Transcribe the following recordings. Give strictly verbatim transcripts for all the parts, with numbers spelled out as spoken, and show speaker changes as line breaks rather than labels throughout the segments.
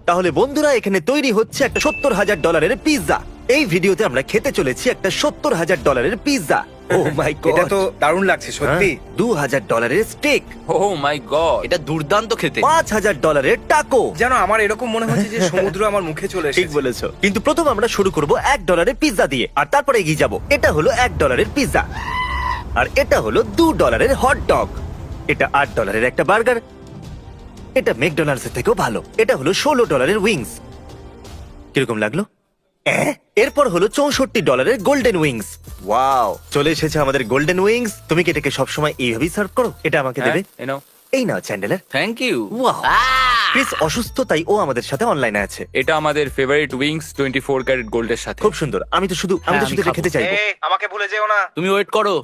তাহলে বন্ধুরা এখানে তৈরি হচ্ছে একটা সত্তর হাজার ডলারের পিৎজা। এই ভিডিওতে আমরা খেতে চলেছি একটা সত্তর হাজার ডলারের পিৎজা। ও মাই গড,
এটা তো দারুণ লাগছে সত্যি।
দু হাজার ডলারের স্টেক,
ও মাই গড,
এটা দুর্দান্ত খেতে।
পাঁচ হাজার ডলারের টাকো।
যেন আমার এরকম মনে হচ্ছে যে সমুদ্র আমার মুখে চলে
ঠিক
এসেছে।
বলেছো, কিন্তু প্রথম আমরা শুরু করব এক ডলারের পিৎজা দিয়ে, আর তারপরে এগিয়ে যাব। এটা হলো এক ডলারের পিৎজা, আর এটা হলো দু ডলারের হট ডগ। এটা আট ডলারের একটা বার্গার। এটা ম্যাকডোনাল্ডস এর থেকেও ভালো। এটা হলো ষোলো ডলারের উইংস। কিরকম লাগলো? অ্যাঁ? এরপর হলো চৌষট্টি ডলারের গোল্ডেন উইংস। ওয়াও, চলে এসেছে আমাদের গোল্ডেন উইংস। তুমি কি এটাকে সবসময় এইভাবেই সার্ভ করো? এটা আমাকে দেবে।
এই নাও।
এই নাও Chandler.
Thank you.
Wow, Chris অসুস্থ, তাই ও আমাদের সাথে অনলাইনে আছে।
এটা আমাদের favourite wings twenty four carat গোল্ডের সাথে।
খুব সুন্দর। আমি তো শুধু আমি তো
হ্যাঁ,
শুধু
আমি
এটা খেতে
খাবো।
চাইবো।
এই, আমাকে ভুলে যেও না।
তুমি ওয়েট করো।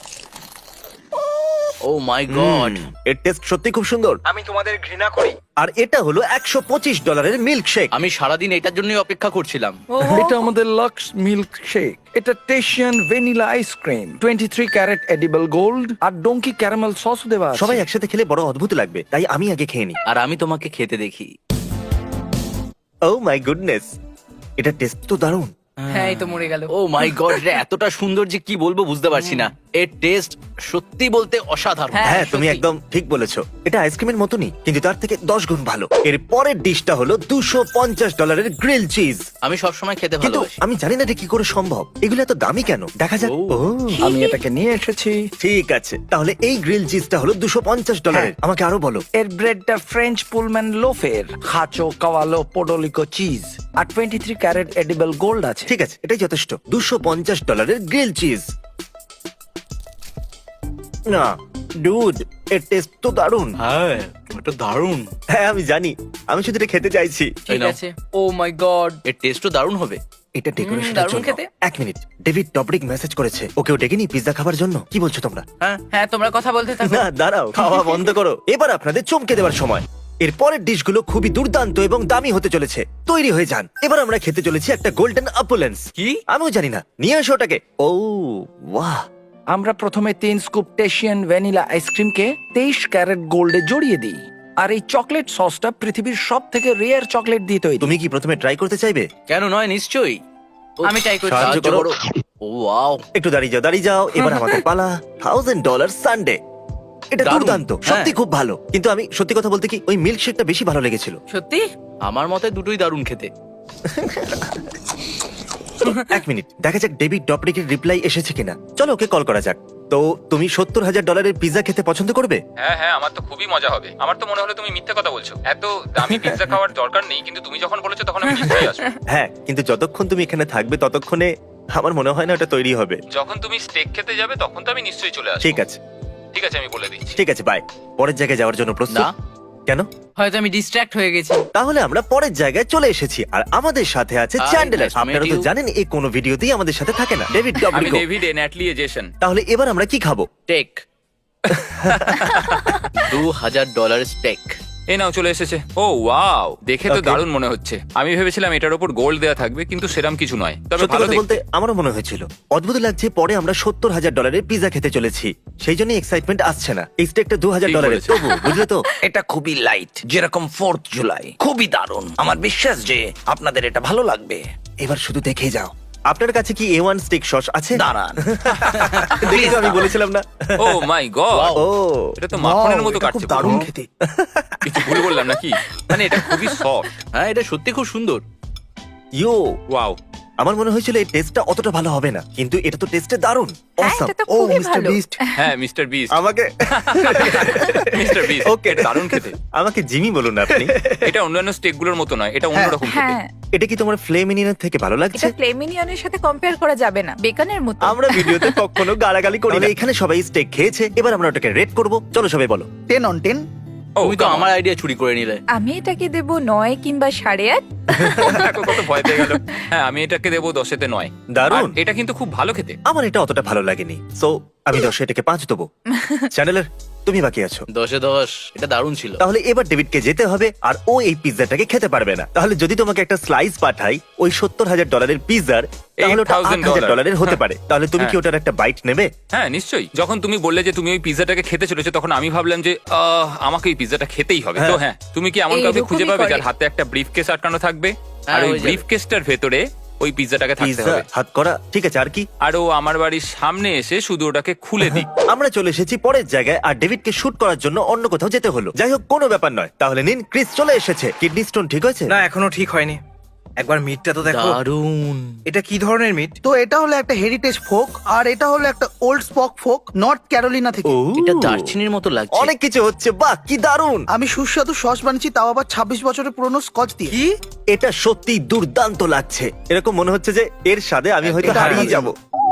ও মাই গড,
হুম, এর টেস্ট সত্যি খুব সুন্দর।
আমি তোমাদের ঘৃণা করি।
আর এটা হলো একশো পঁচিশ ডলারের মিল্ক শেক।
আমি সারাদিন এটার জন্যই অপেক্ষা করছিলাম।
এটা আমাদের লাক্স মিল্ক শেক। এটা Tahitian vanilla ice cream, twenty three carat edible gold আর ডোঙ্কি ক্যারামেল সস দেওয়া আছে।
সবাই একসাথে খেলে বড় অদ্ভুত লাগবে, তাই আমি আগে খেয়ে নিই।
আর আমি তোমাকে খেতে দেখি।
ও মাই গুডনেস, এটা টেস্ট তো দারুণ।
হ্যাঁ এই তো মরে গেল।
ও মাই গড, এটা এতটা সুন্দর যে কি বলবো বুঝতে পারছি না। এর টেস্ট সত্যি বলতে অসাধারণ।
হ্যাঁ,
হ্যাঁ, তুমি
সত্যি।
একদম ঠিক বলেছো। এটা আইসক্রিমের মতনই, কিন্তু তার থেকে দশ গুণ ভালো। এর পরের ডিশটা হলো দুশো পঞ্চাশ ডলারের গ্রিল চিজ।
আমি সবসময় খেতে
কিন্তু
ভালোবাসি।
আমি জানি না এটা কি করে সম্ভব। এগুলো এত দামি কেন? দেখা যাক।
ও।
ও,
আমি এটাকে নিয়ে এসেছি।
ঠিক আছে, তাহলে এই গ্রিল চিজটা হলো দুশো পঞ্চাশ ডলারের।
হ্যাঁ।
আমাকে আরো বলো।
এর ব্রেডটা ফ্রেঞ্চ পুলম্যান লোফের, খাচো কাওয়ালো পোডোলিকো চিজ আর twenty three carat edible gold আছে।
ঠিক আছে, এটাই যথেষ্ট। দুশো পঞ্চাশ ডলারের গ্রিল চিজ। না ডুড, এর টেস্ট তো দারুণ।
হ্যাঁ, এটা দারুণ।
হ্যাঁ আমি জানি, আমি শুধু এটা খেতে চাইছি।
এই
ঠিক
নাও।
আছে। Oh my god.
এর টেস্টও দারুণ হবে।
এটা ডেকোরেশনের
দারুণ
জন্য।
খেতে।
এক মিনিট, ডেভিড টবরিক মেসেজ করেছে। ওকেও ডেকে নি পিৎজা খাবার জন্য। কি বলছো তোমরা?
হ্যাঁ,
হ্যাঁ তোমরা কথা বলতে থাকো।
না দাঁড়াও, খাওয়া বন্ধ করো। এবার আপনাদের চমকে দেওয়ার সময়। এর পরের ডিশগুলো খুবই দুর্দান্ত এবং দামি হতে চলেছে। তৈরি হয়ে যান। এবার আমরা খেতে চলেছি একটা গোল্ডেন অ্যাপোলেন্স।
কি?
আমিও জানি না, নিয়ে আসো ওটাকে। ও ওয়াহ,
আমরা প্রথমে তিন স্কুপ টেশিয়ান ভ্যানিলা আইসক্রিমকে তেইশ ক্যারেট গোল্ডে জড়িয়ে দিই। আর এই চকলেট সসটা পৃথিবীর সব থেকে রেয়ার চকলেট দিয়ে তৈরি।
তুমি কি প্রথমে ট্রাই করতে চাইবে?
কেন নয়, নিশ্চয়ই।
আমি try করছি।
সাহায্য
সাহায্য
করো।
করো। ও ওয়াও,
একটু দাঁড়িয়ে যাও, দাঁড়িয়ে যাও। এবার আমাদের পালা। Thousand dollar sundae. এটা
দারুণ।
দুর্দান্ত, সত্যি
হ্যাঁ।
খুব ভালো। কিন্তু আমি সত্যি কথা বলতে কি, ওই মিল্ক শেকটা বেশি ভালো লেগেছিল।
সত্যি?
আমার মতে দুটোই দারুণ খেতে।
এক মিনিট, দেখা যাক ডেভিড ডপরিকের রিপ্লাই এসেছে কিনা। চলো ওকে কল করা যাক। তো তুমি সত্তর হাজার ডলারের পিৎজা খেতে পছন্দ করবে?
হ্যাঁ হ্যাঁ, আমার তো খুবই মজা হবে। আমার তো মনে হলো তুমি মিথ্যে কথা বলছো। এত দামি পিৎজা খাওয়ার দরকার নেই, কিন্তু তুমি যখন বলেছো তখন আমি নিশ্চয়ই আসবো।
হ্যাঁ, কিন্তু যতক্ষণ তুমি এখানে থাকবে ততক্ষণে আমার মনে হয় না ওটা তৈরি হবে।
যখন তুমি স্টেক খেতে যাবে তখন তো আমি নিশ্চয়ই চলে আসবো।
ঠিক আছে,
ঠিক আছে, আমি বলে দিচ্ছি।
ঠিক আছে, বাই। পরের জায়গায় যাওয়ার জন্য প্রস্তুত?
না।
কেন?
হয়তো আমি ডিস্ট্রাক্ট হয়ে গেছি।
তাহলে আমরা পরের জায়গায় চলে এসেছি, আর আমাদের সাথে আছে
Hi,
Chandler.
nice to meet
আপনারা তো
you.
জানেন এই কোনো ভিডিওতেই আমাদের সাথে থাকে না। ডেভিড
আমি
ডপরিকো।
ডেভিড এ ন্যাটলি এজেশন।
তাহলে এবার আমরা কি খাবো?
টেক। দু হাজার ডলার স্টেক।
এই নাও, চলে এসেছে। ও ওয়াও, দেখে তো
Okay.
দারুণ মনে হচ্ছে। আমি ভেবেছিলাম এটার উপর গোল্ড দেওয়া থাকবে, কিন্তু সেরকম কিছু নয়। তবে
সত্যি
ভালো
কথা বলতে
দেখতে।
আমারও মনে হয়েছিল। অদ্ভুত লাগছে, পরে আমরা সত্তর হাজার ডলারের পিৎজা খেতে চলেছি, সেই জন্য এক্সাইটমেন্ট আসছে না। এই স্টেকটা দু হাজার
ঠিক
ডলারের,
বলেছো।
তবু বুঝলে তো।
এটা খুবই লাইট, যেরকম ফোর্থ জুলাই। খুবই দারুণ। আমার বিশ্বাস যে আপনাদের এটা ভালো লাগবে।
এবার শুধু দেখে যাও। আপনার কাছে কি এ ওয়ান স্টেক সস আছে?
দাঁড়ান।
দেখি তো, আমি বলেছিলাম না।
ও মাই গড,
ও
এটা তো মাখনের মতো
এটা খুব
কাটছে।
দারুণ
পুরো।
খেতে।
কিছু ভুল বললাম নাকি? মানে এটা খুবই সফট।
হ্যাঁ, এটা সত্যি খুব সুন্দর।
ইয়ো,
ওয়াও,
আমার মনে হয়েছিল এই টেস্টটা অতটা ভালো হবে না, কিন্তু এটা তো টেস্টে দারুণ।
হ্যাঁ
Awesome.
এটা তো
ও
খুবই
মিস্টার
ভালো।
বিস্ট,
হ্যাঁ মিস্টার বিস্ট।
আমাকে
মিস্টার বিস্ট,
Okay.
এটা দারুণ খেতে।
আমাকে জিমি বলুন না আপনি।
এটা অন্যান্য স্টেক গুলোর মতো নয়, এটা অন্যরকম খেতে।
হ্যাঁ
এটা কি তোমার ফ্লেমিনিনের থেকে ভালো লাগছে?
এটা ফ্লেমিনিয়নের সাথে কম্পেয়ার করা যাবে না, বেকনের মতো।
আমরা ভিডিওতে কখনো গালাগালি করি না। এখানে সবাই স্টেক খেয়েছে, এবার আমরা ওটাকে রেট করব। চলো সবাই বলো।
Ten on ten.
ও
তুমি তো আমার আইডিয়া চুরি করে নিলে।
আমি এটাকে দেবো নয় কিংবা সাড়ে আট।
দেখো কত ভয় পেয়ে গেল। হ্যাঁ, আমি এটাকে দেবো দশেতে নয়।
দারুণ।
আর এটা কিন্তু খুব ভালো খেতে।
আমার এটা অতটা ভালো লাগেনি, সো আমি দশে এটাকে পাঁচ দেবো। চ্যানেলের তুমি বাকি আছো।
দশে দশ, এটা দারুণ ছিল।
তাহলে এবার ডেভিডকে যেতে হবে আর ও এই পিৎজাটাকে খেতে পারবে না। তাহলে যদি তোমাকে একটা স্লাইস পাঠাই ওই সত্তর হাজার ডলারের পিৎজার, তাহলে ওটা আট হাজার ডলারের হতে পারে। তাহলে তুমি কি
হ্যাঁ।
ওটার একটা বাইট নেবে?
হ্যাঁ নিশ্চয়ই। যখন তুমি বললে যে তুমি ওই পিৎজাটাকে খেতে চলেছো তখন আমি ভাবলাম যে আহ, আমাকে এই পিৎজাটা খেতেই হবে। তো হ্যাঁ, তুমি কি এমন কাউকে
এইরকমই
খুঁজে পাবে
করে।
যার হাতে একটা ব্রিফ কেস আটকানো থাকবে আর
হ্যাঁ,
ওই
হয়ে যাবে।
ব্রিফ কেসটার ভেতরে ওই পিৎজাটাকে থাকতে
পিৎজা
হবে,
হাত করা, ঠিক আছে। আর কি?
আর ও আমার বাড়ির সামনে এসে শুধু ওটাকে খুলে দিক।
আমরা চলে এসেছি পরের জায়গায় আর ডেভিডকে শুট করার জন্য অন্য কোথাও যেতে হলো। যাই হোক, কোনো ব্যাপার নয়। তাহলে নিন, ক্রিস চলে এসেছে। কিডনি স্টোন ঠিক হয়েছে?
না এখনো ঠিক হয়নি। একবার মিটটা তো দেখো।
দারুণ।
এটা কি ধরনের মিট?
তো এটা হলো একটা হেরিটেজ ফোক আর এটা হলো একটা old spot pork North Carolina থেকে।
ও,
এটা দারচিনির মতো লাগছে।
অনেক কিছু হচ্ছে। বাহ, কি দারুণ!
আমি সুস্বাদু সস বানিয়েছি, তাও আবার ছাব্বিশ বছরের পুরনো স্কচ দিয়ে।
কি?
এটা সত্যি দুর্দান্ত লাগছে। এরকম মনে হচ্ছে যে এর স্বাদে আমি হয়তো
এটা
হারিয়ে
দারুণ।
যাব।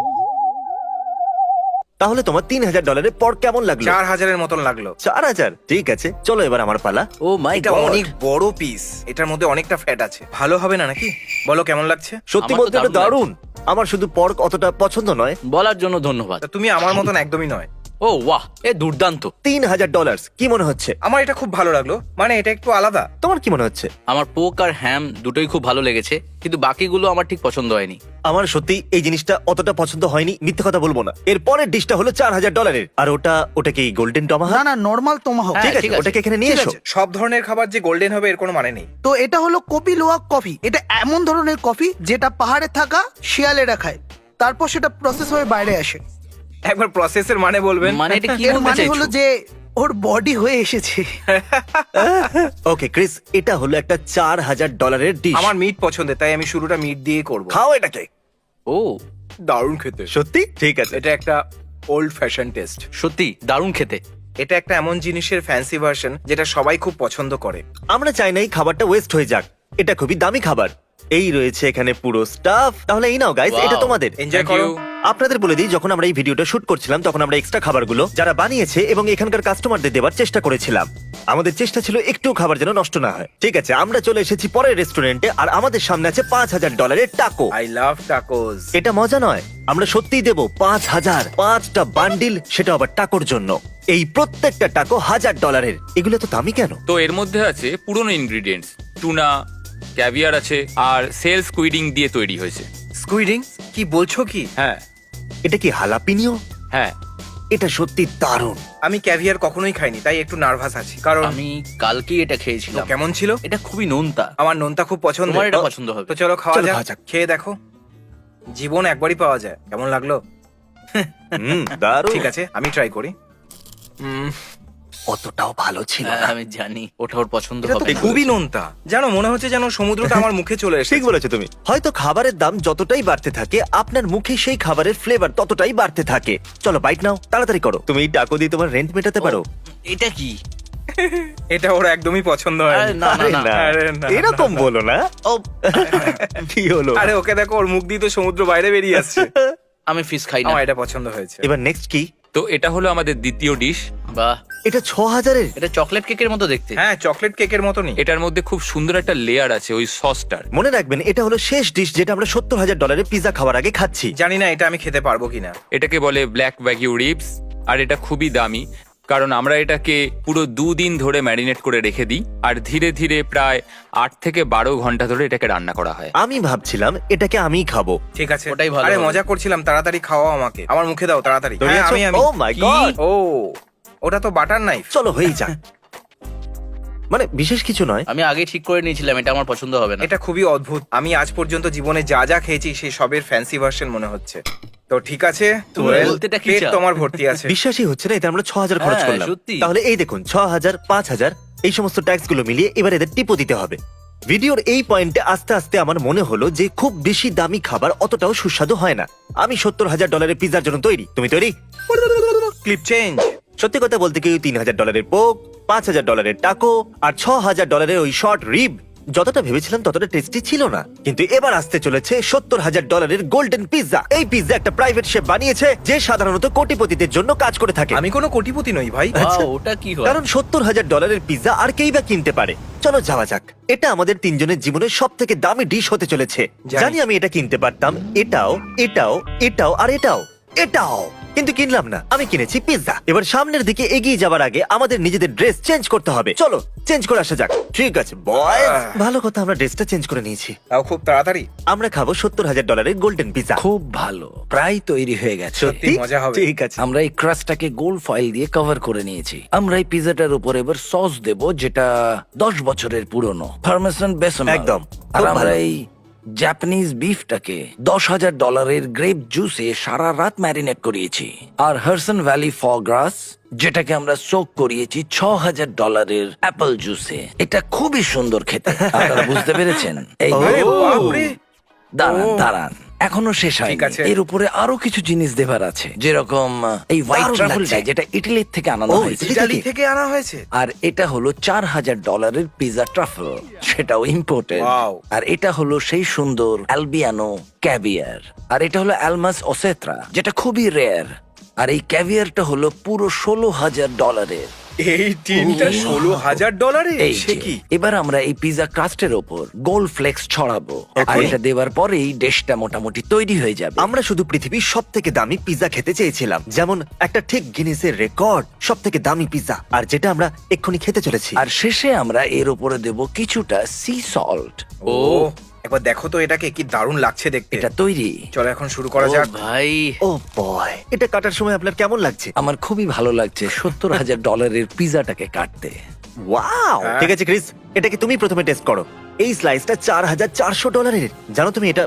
তাহলে তোমার তিন হাজার ডলারের পর কেমন লাগলো?
চার হাজারের মতন লাগলো।
চার হাজার ঠিক আছে, চলো এবার আমার পালা।
ও মাই
এটা
গড।
অনেক বড় পিস, এটার মধ্যে অনেকটা ফ্যাট আছে। ভালো হবে না নাকি? বলো কেমন লাগছে?
সত্যি
আমার তো
বলতে এটা
দারুণ
দারুণ। আমার শুধু পর্ক অতটা পছন্দ নয়।
বলার জন্য ধন্যবাদ।
তা তুমি আমার মতন একদমই নয়।
ও বাহ, এ দুর্দান্ত।
তিন হাজার ডলার কি মনে হচ্ছে?
আমার এটা খুব ভালো লাগলো, মানে এটা একটু আলাদা।
তোমার কি মনে হচ্ছে?
আমার পোক আর হ্যাম দুটোই খুব ভালো লেগেছে, কিন্তু বাকিগুলো আমার ঠিক পছন্দ হয়নি।
আমার সত্যি এই জিনিসটা অতটা পছন্দ হয়নি, মিথ্যে কথা বলবো না। এর পরের ডিশটা হলো চার হাজার ডলারের, আর ওটা ওটা কি গোল্ডেন
না
টমাহা?
না, নর্মাল তোমাহক।
হ্যাঁ,
ঠিক আছে,
ঠিক আছে।
ওটাকে এখানে নিয়ে
ঠিক
এসো।
আছে।
সব ধরনের খাবার যে গোল্ডেন হবে এর কোনো মানে নেই।
তো এটা হলো কপি লোয়া কফি। এটা এমন ধরনের কফি যেটা পাহাড়ে থাকা শিয়ালেরা খায়, তারপর সেটা প্রসেস হয়ে বাইরে আসে।
একবার প্রসেসের মানে বলবেন?
মানে এটা কি
এর
বলতে
মানে হলো
চাইছো?
যে ওর বডি হয়ে এসেছে।
ওকে ক্রিস, এটা হলো একটা চার হাজার ডলারের ডিশ।
আমার মিট পছন্দের, তাই আমি শুরুটা মিট দিয়ে করব।
খাও এটাকে।
ও
দারুণ খেতে।
সত্যি ঠিক আছে।
এটা একটা ওল্ড ফ্যাশন টেস্ট।
সত্যি দারুণ খেতে।
এটা একটা এমন জিনিসের ফ্যান্সি ভার্সন যেটা সবাই খুব পছন্দ করে।
আমরা চাই না এই খাবারটা ওয়েস্ট হয়ে যাক। এটা খুবই দামি খাবার। এই রয়েছে এখানে পুরো স্টাফ। তাহলে এই নাও গাইস,
Wow.
এটা তোমাদের।
এনজয়
Thank
করো।
you.
আপনাদের বলে দিই, যখন আমরা এই ভিডিওটা শুট করছিলাম তখন আমরা এক্সট্রা খাবারগুলো যারা বানিয়েছে এবং এখানকার কাস্টমারদের দেওয়ার চেষ্টা করেছিলাম। আমাদের চেষ্টা ছিল একটু খাবার যেন নষ্ট না হয়। ঠিক আছে, আমরা চলে এসেছি পরের রেস্টুরেন্টে আর আমাদের সামনে আছে পাঁচ হাজার ডলারের টাকো।
I love tacos.
এটা মজা নয়, আমরা সত্যিই দেবো পাঁচ হাজার পাঁচটা বান্ডিল, সেটা আবার টাকোর জন্য। এই প্রত্যেকটা টাকো হাজার ডলারের। এগুলো তো দামি কেন?
তো এর মধ্যে আছে পুরনো ইনগ্রিডিয়েন্টস, টুনা, ক্যাভিয়ার আছে আর সেল স্কুইডিং দিয়ে তৈরি হয়েছে।
স্কুইডিং? কি বলছো কি?
হ্যাঁ
এটা কি হালাপিনিও?
হ্যাঁ।
এটা সত্যি দারুণ।
আমি ক্যাভিয়ার কখনোই খাইনি, তাই একটু নার্ভাস আছি। কারণ
আমি কালকেই এটা
তো
খেয়েছিলাম।
কেমন ছিল?
এটা খুবই নোনতা।
আমার নোনতা খুব পছন্দ।
তোমার এটা পছন্দ হবে।
তো চলো খাওয়া
চলো খাওয়া
যাক।
যাক।
খেয়ে দেখো। জীবন একবারই পাওয়া যায়। কেমন লাগলো?
হুম, দারুণ।
ঠিক আছে, আমি ট্রাই করি। উম,
অতটাও ভালো ছিল
হ্যাঁ,
না।
আমি জানি ওটা ওর পছন্দ
এটা তো
হবে না।
খুবই নোনতা। জানো, মনে হচ্ছে যেন সমুদ্রটা আমার মুখে চলে এসেছে।
ঠিক বলেছো তুমি। হয়তো খাবারের দাম যতটাই বাড়তে থাকে আপনার মুখে সেই খাবারের ফ্লেভার ততটাই বাড়তে থাকে। চলো বাইট নাও, তাড়াতাড়ি করো। তুমি এই টাকো দিয়ে তোমার রেন্ট মেটাতে পারো।
এটা কি?
এটা ওর একদমই পছন্দ হয়
আরে না,
আরে না,
আরে না,
এরকম বলো না।
ও
কি হলো?
আরে ওকে দেখো, ওর মুখ দিয়ে তো সমুদ্র বাইরে বেরিয়ে আসছে।
আমি ফিশ খাই না।
আমার এটা পছন্দ হয়েছে।
এবার নেক্সট কি?
তো এটা হলো আমাদের দ্বিতীয় ডিশ।
বাহ,
এটা ছ হাজারের।
এটা চকলেট কেকের মতো দেখতে।
হ্যাঁ, চকলেট কেকের মতনই।
এটার মধ্যে খুব সুন্দর একটা লেয়ার আছে ওই সসটার।
মনে রাখবেন, এটা হলো শেষ ডিশ যেটা আমরা সত্তর হাজার ডলারের পিজা খাওয়ার আগে খাচ্ছি।
জানি না এটা আমি খেতে পারবো কিনা।
এটাকে বলে ব্ল্যাক ওয়াগিউ রিবস, আর এটা খুবই দামি কারণ আমরা এটাকে পুরো দুদিন ধরে ম্যারিনেট করে রেখে দিই আর ধীরে ধীরে প্রায় আট থেকে বারো ঘন্টা ধরে এটাকে রান্না করা হয়।
আমি ভাবছিলাম এটাকে আমিই খাবো।
ঠিক আছে,
ওটাই ভালো
আরে
হবে।
মজা করছিলাম। তাড়াতাড়ি খাওয়াও আমাকে, আমার মুখে দাও তাড়াতাড়ি।
তৈরি
হ্যাঁ,
আছো?
আমি আমি
Oh my God!
ও, ওটা তো বাটার নাইফ।
চলো হয়েই যাক। মানে বিশেষ কিছু নয়।
আমি আগে ঠিক করে নিয়েছিলাম এটা আমার পছন্দ হবে না।
এটা খুবই অদ্ভুত। আমি আজ পর্যন্ত জীবনে যা যা খেয়েছি সেই সবের ফ্যান্সি ভার্সন মনে হচ্ছে। তো ঠিক আছে,
তুমি
well,
বলতেটা কি
পেট
চাও?
তোমার ভর্তি আছে।
বিশ্বাসই হচ্ছে না, এতে আমরা ছ হাজার খরচ
হ্যাঁ,
করলাম।
সত্যি।
তাহলে এই দেখুন, ছ হাজার পাঁচ হাজার এই সমস্ত ট্যাক্স গুলো মিলিয়ে এবার এদের টিপো দিতে হবে। ভিডিওর এই পয়েন্টে আস্তে আস্তে আমার মনে হলো যে খুব বেশি দামি খাবার অতটাও সুস্বাদু হয় না। আমি সত্তর হাজার ডলারের পিজার জন্য তৈরি। তুমি তৈরি?
Clip change.
সত্যি কথা বলতে কি, তিন হাজার ডলারের পোক, পাঁচ হাজার ডলারের টাকো আর ছ হাজার ডলারের ওই শর্ট রিব যতটা ভেবেছিলাম ততটা টেস্টি ছিল না। কিন্তু এবার আসতে চলেছে সত্তর হাজার ডলারের গোল্ডেন পিৎজা। এই পিৎজা একটা প্রাইভেট শেফ বানিয়েছে যে সাধারণত কোটিপতিদের জন্য কাজ করে থাকে।
আমি কোনো কোটিপতি নই ভাই।
আচ্ছা।
Wow, ওটা কি হয়?
কারণ সত্তর হাজার ডলারের পিৎজা আর কেই বা কিনতে পারে। চলো যাওয়া যাক। এটা আমাদের তিনজনের জীবনের সব থেকে দামি ডিশ হতে চলেছে।
জানি।
জানি আমি এটা কিনতে পারতাম। এটাও, এটাও, এটাও আর এটাও, এটাও। কিন্তু কিনলাম না, আমি কিনেছি পিৎজা। এবার সামনের দিকে এগিয়ে যাওয়ার আগে আমাদের নিজেদের ড্রেস চেঞ্জ করতে হবে। চলো চেঞ্জ করে আসা যাক। ঠিক আছে বয়েজ, ভালো কথা আমরা ড্রেসটা চেঞ্জ করে নিয়েছি।
তাও খুব তাড়াতাড়ি।
আমরা খাবো সত্তর হাজার ডলারের গোল্ডেন পিৎজা।
খুব ভালো, প্রায় তৈরি হয়ে গেছে।
সত্যি মজা হবে।
ঠিক আছে।
আমরা এই ক্রাস্টটাকে গোল্ড ফয়েল দিয়ে কভার করে নিয়েছি। আমরা এই পিজাটার উপর এবার সস দেব, যেটা দশ বছরের পুরনো পারমেসান বেসন।
একদম।
আর
খুব
আমরা
ভালো।
এই জাপানিজ বিফটাকে দশ হাজার ডলারের গ্রেপ জুসে সারা রাত ম্যারিনেট করিয়েছি। আর হারসন ভ্যালি ফগ্রাস, যেটাকে আমরা সোক করিয়েছি ছ হাজার ডলারের অ্যাপল জুসে। এটা খুবই সুন্দর খেতে। আপনারা বুঝতে পেরেছেন? এই
আরে বাপরে।
দাঁড়ান
ও।
দাঁড়ান, এখনো শেষ হয়নি।
ঠিক আছে।
এর উপরে আরো কিছু জিনিস দেবার আছে, যেরকম আহ, এই হোয়াইট
দারুণ
ট্রাফেলটা,
লাগছে।
যেটা ইটালির থেকে আনানো
ও,
হয়েছে।
ইটালি
ইটালি থেকে আনা হয়েছে।
আর এটা হলো চার হাজার ডলারের পিজা ট্রাফেল, সেটাও ইম্পোর্টেড।
Wow.
আর এটা হলো সেই সুন্দর অ্যালবিয়ানো ক্যাভিয়ার। আর এটা হলো অ্যালমাস ওসেত্রা, যেটা খুবই রেয়ার। আর এই ক্যাভিয়ারটা হলো পুরো ষোলো হাজার ডলারের।
এই টিমটা ষোলো হাজার ডলারে।
এই
সে
যে,
কি?
এবার আমরা এই পিজা ক্রাস্টের ওপর গোল্ড ফ্লেক্স ছড়াবো। আর এটা দেওয়ার পরেই ডিশটা মোটামুটি তৈরি হয়ে যাবে।
আমরা শুধু পৃথিবীর সব থেকে দামি পিৎজা খেতে চেয়েছিলাম, যেমন একটা ঠিক গিনেসের রেকর্ড সব থেকে দামি পিৎজা, আর যেটা আমরা এক্ষুনি খেতে চলেছি।
আর শেষে আমরা এর উপরে দেব কিছুটা সি সল্ট।
ও একবার দেখো তো এটাকে, কি দারুণ লাগছে দেখতে।
এটা তৈরি।
চলো এখন শুরু করা যাক।
ভাই
ও বয়, এটা কাটার সময় আপনার কেমন লাগছে?
আমার খুবই ভালো লাগছে সত্তর হাজার ডলারের পিজাটাকে কাটতে।
ওয়াও,
হ্যাঁ।
ঠিক আছে ক্রিস, এটাকে তুমি প্রথমে টেস্ট করো। এই স্লাইসটা চার হাজার চারশো ডলারের। জানো তুমি এটা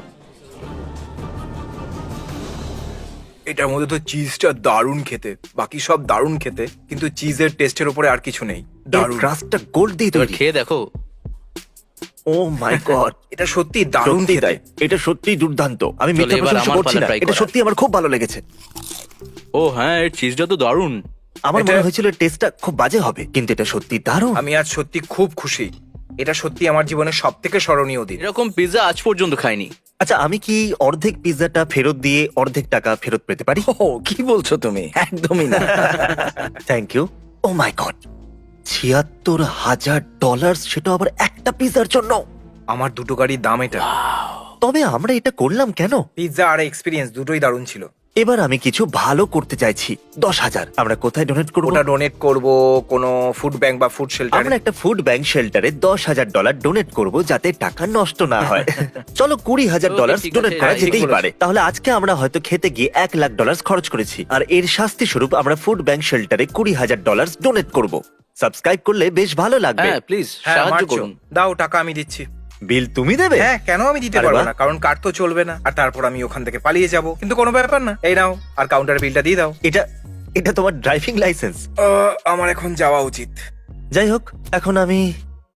এটার মধ্যে তো চিজটা দারুণ খেতে, বাকি সব দারুণ খেতে, কিন্তু চিজের টেস্টের উপরে আর কিছু নেই। দারুণ।
ক্রাস্টটা গোল্ড দিয়ে
এবার
তৈরি।
খেয়ে দেখো।
ও মাই গড,
এটা সত্যি দারুণ
সত্যি
খেতে।
তাই, এটা সত্যি দুর্দান্ত। আমি
চলো,
মিথ্যা
এবার
প্রশংসা
আমার
করছি
পালা
না,
try
এটা
করার।
সত্যি আমার খুব ভালো লেগেছে।
ও হ্যাঁ, এর চিজটা তো দারুণ।
আমার
এটা-
মনে হয়েছিল টেস্টটা খুব বাজে হবে, কিন্তু এটা সত্যি দারুণ।
আমি আজ সত্যি খুব খুশি। এটা সত্যি আমার জীবনের সব থেকে স্মরণীয় দিন।
এরকম পিৎজা আজ পর্যন্ত খাইনি।
আচ্ছা, আমি কি অর্ধেক পিৎজাটা ফেরত দিয়ে অর্ধেক টাকা ফেরত পেতে পারি?
ও কি বলছো তুমি? একদমই না।
Thank you. Oh my god, ছিয়াত্তর হাজার ডলার, সেটা আবার একটা পিৎজার জন্য।
আমার দুটো গাড়ির দাম এটা।
তবে আমরা এটা করলাম কেন?
পিৎজা আর এক্সপিরিয়েন্স দুটোই দারুণ ছিল।
এবার আমি কিছু ভালো করতে চাইছি। দশ হাজার আমরা কোথায় ডোনেট করবো?
ওটা ডোনেট করব কোনো ফুড ব্যাংক বা ফুড শেল্টারে।
আমরা একটা ফুড ব্যাংক শেল্টারে দশ হাজার ডলার ডোনেট করব, যাতে টাকা নষ্ট না হয়। চলো কুড়ি হাজার
Okay,
ডলার
ঠিক
ডোনেট
আছে,
করা
হ্যাঁ, ঠিক
যেতেই
বলেছো।
পারে। তাহলে আজকে আমরা হয়তো খেতে গিয়ে এক লাখ ডলার খরচ করেছি, আর এর শাস্তি স্বরূপ আমরা ফুড ব্যাংক শেল্টারে কুড়ি হাজার ডলার ডোনেট করব। সাবস্ক্রাইব করলে বেশ ভালো লাগবে।
হ্যাঁ প্লিজ
হ্যাঁ,
সাহায্য
মার্চো।
করুন।
দাও টাকা আমি দিচ্ছি।
বিল তুমি দেবে?
হ্যাঁ, কেন আমি দিতে
আরে
পারবো
বাহ।
না? কারণ কার্ড তো চলবে না, আর তারপর আমি ওখান থেকে পালিয়ে যাব। কিন্তু কোনো ব্যাপার না, এই নাও, আর কাউন্টার বিলটা দিয়ে দাও।
এটা এটা তোমার ড্রাইভিং লাইসেন্স।
আহ, আমার এখন যাওয়া উচিত।
যাই হোক, এখন আমি